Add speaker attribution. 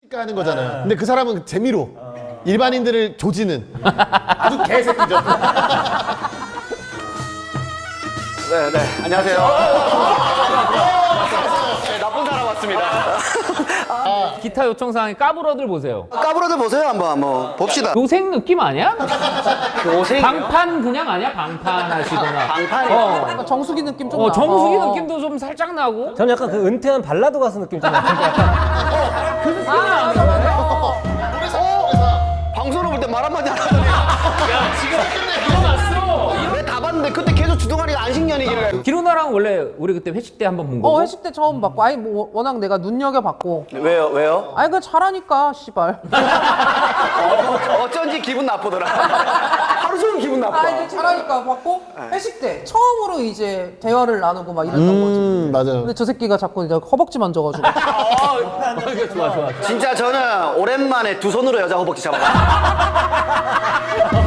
Speaker 1: 하는 거잖아요. 근데 그 사람은 재미로 일반인들을 조지는 아주 개새끼죠.
Speaker 2: 네, 안녕하세요. 네, 나쁜 사람 왔습니다.
Speaker 3: 기타 요청사항에 까불어들 보세요.
Speaker 2: 까불어들 보세요, 한번 봅시다.
Speaker 3: 교생 느낌 아니야?
Speaker 2: 교생이요?
Speaker 3: 방판 그냥 아니야? 방판 하시거나.
Speaker 2: 방판이요?
Speaker 4: 정수기 느낌 좀 나.
Speaker 3: 정수기 느낌도 좀 살짝 나고.
Speaker 5: 저는 약간 그 은퇴한 발라드 가수 느낌 좀 나는데 약간
Speaker 2: 방송을 볼 때 말 한마디 안 하더니.
Speaker 3: 야, 지금 일어났어.
Speaker 2: 왜 다 봤는데 그때 계속 주둥아리가 안식년이길래.
Speaker 3: 기루나랑 원래 우리 그때 회식 때 한 번 본 거고.
Speaker 4: 회식 때 처음 봤고, 아니 뭐 워낙 내가 눈여겨봤고.
Speaker 2: 왜요?
Speaker 4: 아니 그 잘하니까 씨발.
Speaker 2: 어쩐지 기분 나쁘더라. 하루 종일 기분 나빠.
Speaker 4: 아니 잘하니까 봤고 회식 때 처음으로 이제 대화를 나누고 막 이랬던 거지.
Speaker 1: 맞아요.
Speaker 4: 근데 저 새끼가 자꾸 이제 허벅지 만져가지고.
Speaker 3: 좋아.
Speaker 2: 진짜 저는 오랜만에 두 손으로 여자 허벅지 잡아봤어요.